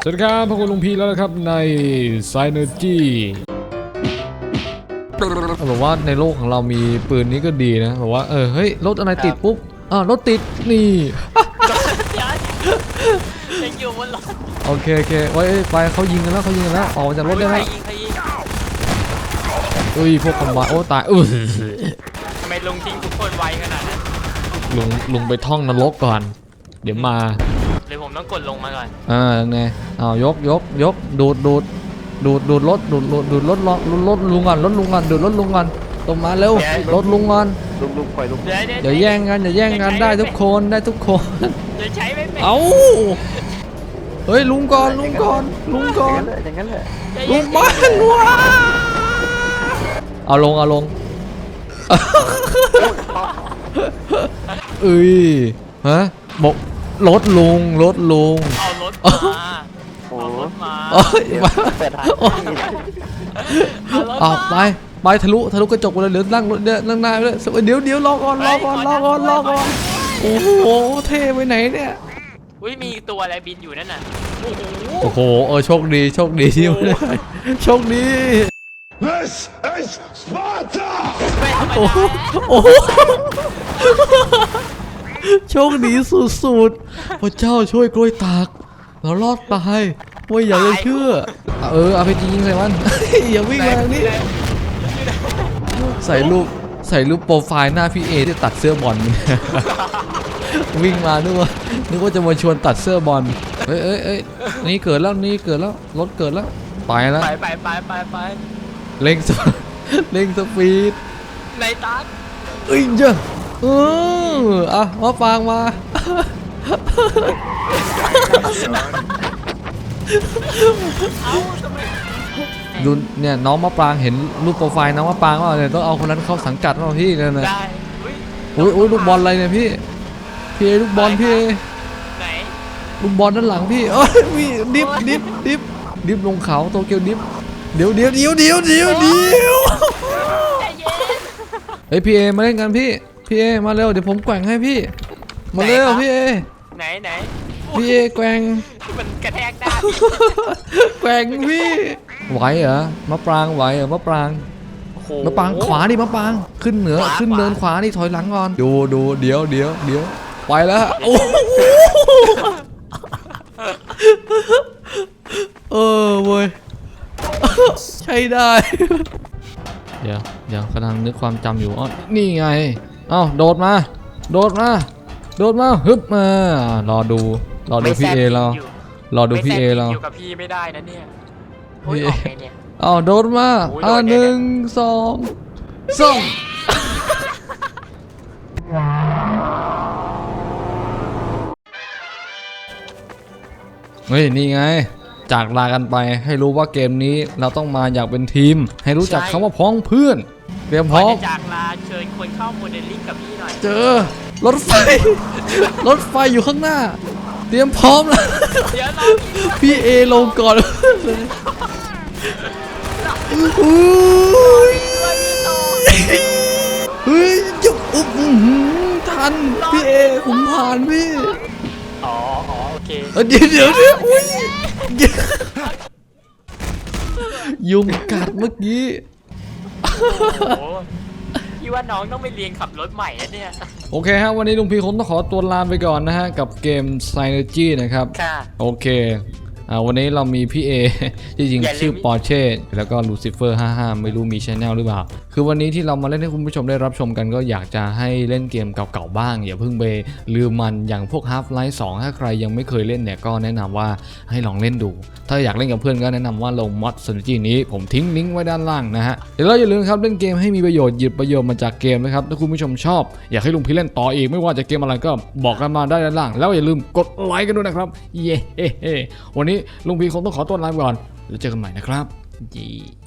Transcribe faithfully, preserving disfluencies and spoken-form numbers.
สวัสดีครับพบกับลุงพีแล้วนะครับในไซเนอร์จี้เขาบอกว่าในโลกของเรามีปืนนี้ก็ดีนะบอกว่าเออเฮ้ยรถอะไรติดปุ๊บอ่ารถติดนี่ยังอยู่บนรถโอเคโอเคไว้ไปเขายิงกันแล้วเขายิงกันแล้วออกจากรถได้แล้วอุ้ยพวกคอมบาโอ้ตายอุ้ยทำไมลุงทิ้งทุกคนไวขนาดนั้นลุงลุงไปท่องนรกก่อนเดี๋ยวมาหรือผมต้องกดลงมาก่อนอ่าเนี่ยเอายกยกยกดูดดูดดูดดูดรถดูดดูดรถรถรถลุงก่อนรถลุงก่อนดูดรถลุงก่อนตรงมาเร็วรถลุงก่อนลุงลุงปล่อยลุงอย่าแย่งกันอย่าแย่งกันได้ทุกคนได้ทุกคนจะใช้ไม่เป็นเอาเฮ้ยลุงก่อนลุงก่อนลุงก่อนอย่างนั้นแหละลุงบ้านวะเอาลงเอาลงเอ้ยฮะบอกรถลุงรถลุงเอารถมาเอารถมาเปิดทางออกไปไปทะลุทะลุกระจกเลยเหลือนั่งรถเนี่ยนั่งหน้าเลยเดี๋ยวเดี๋ยวรอก่อนรอก่อนรอก่อนรอก่อนโอ้โหเท่ไปไหนเนี่ยอุ้ยมีตัวอะไรบินอยู่นั่นน่ะโอ้โหเออโชคดีโชคดีที่ไม่ได้โชคดี This is Sparta โอ้โหโชคดีสุดๆพระเจ้าช่วยกล้วยตากเรารอดตายไม่อยากจะเชื่อเออเอาไปยิงใส่มันอย่าวิ่งมาทางนี้ใส่รูปใส่รูปโปรไฟล์หน้าพี่เอที่ตัดเสื้อบอลวิ่งมานึกว่านึกว่าจะมาชวนตัดเสื้อบอลเอ้ยเอ้ยเอ้ยนี่เกิดแล้วนี่เกิดแล้วรถเกิดแล้วไปแล้วไปไปไปไปไปเร่งสเร่งสปีดในตัดเอ้ยเจ้าเอออ่ะมาฟังมาดูเนี่ยน้องมะปรางเห็นรูปโปรไฟล์น้องมะปรางว่าเนี่ยต้องเอาคนนั้นเข้าสังกัดเราพี่เลยนะได้อุ้ยอุ้ยลูกบอลอะไรเนี่ยพี่พี่ลูกบอลพี่ไหนลูกบอลด้านหลังพี่เอ้ยมีดิฟดิฟดิฟดิฟลงเขาโตเกียวดิฟเดี๋ยวเดี๋ยวเดี๋ยวเดี๋ยวเดี๋ยวเดี๋ยวเฮ้ยพี่เอมาเล่นกันพี่พี่เอมาเร็วเดี๋ยวผมแกว่งให้พี่มาเร็วพี่เอไหนไหนพี่เอแกว่งมันกระแทกได้แกว่งพี่ไหวเหรอมะปรางไหวเหรอมะปรางมะปรางขวาดิมะปรางขึ้นเหนือขึ้นเนินขวานี่ถอยหลังก่อนดูดูเดี๋ยวเดี๋ยวเดี๋ยวไปแล้วโอ้เออเว้ยใช่ได้เดี๋ยวเดี๋ยวกำลังนึกความจำอยู่อ๋อนี่ไงเอ้าโดดมาโดดมาโดดมาฮึบมารอดูรอดูพี่เอเรารอดูพี่เอเราอยู่กับพี่ไม่ได้นะเนี่ยพี่เอเอ้าโดดมาอ่าหนึ่งสองสองเฮ้ยนี่ไงจากลากันไปให้รู้ว่าเกมนี้เราต้องมาอยากเป็นทีมให้รู้จักคำว่าพ้องเพื่อนเตรียมพร้อมจากลาเชิญคนเข้าโมเดลลิ่งกับพี่หน่อยเจอรถไฟรถไฟอยู่ข้างหน้าเตรียมพร้อมแล้วพี่เอลงก่อนเฮ้ยจุ๊บอุ๊บทันพี่เอผมผ่านพี่อ๋อโอเคเดี๋ยวเดี๋ยวเดี๋ยวอุ้ยยุงกัดเมื่อกี้พี่ว่าน้องต้องไปเรียนขับรถใหม่แล้วเนี่ยโอเคฮะวันนี้ลุงพีคงต้องขอตัวลาไปก่อนนะฮะกับเกม Synergy นะครับค่ะโอเคอ่าวันนี้เรามีพี่เอจริงๆชื่อปอร์เช่แล้วก็ลูซิเฟอร์ห้าสิบห้าไม่รู้มีชแนลหรือเปล่าคือวันนี้ที่เรามาเล่นให้คุณผู้ชมได้รับชมกันก็อยากจะให้เล่นเกมเก่าๆบ้างอย่าเพิ่งไปลืมมันอย่างพวก Half-Life สองถ้าใครยังไม่เคยเล่นเนี่ยก็แนะนำว่าให้ลองเล่นดูถ้าอยากเล่นกับเพื่อนก็แนะนำว่าลงมอด Synergy นี้ผมทิ้งลิงก์ไว้ด้านล่างนะฮะเดี๋ยวเราอย่าลืมครับเล่นเกมให้มีประโยชน์หยิบประโยชน์มาจากเกมนะครับถ้าคุณผู้ชมชอบอยากให้ลุงพีเล่นต่ออีกไม่ว่าจะเกมอะไรก็บอกกันมาได้ด้านล่างแล้วอย่าลืมกดไลค์กันด้วยนะครับเย้วันนี้ลุงพีคงต้องขอตัวลาไปก่อนแล้วเจอกันใหม่นะครับ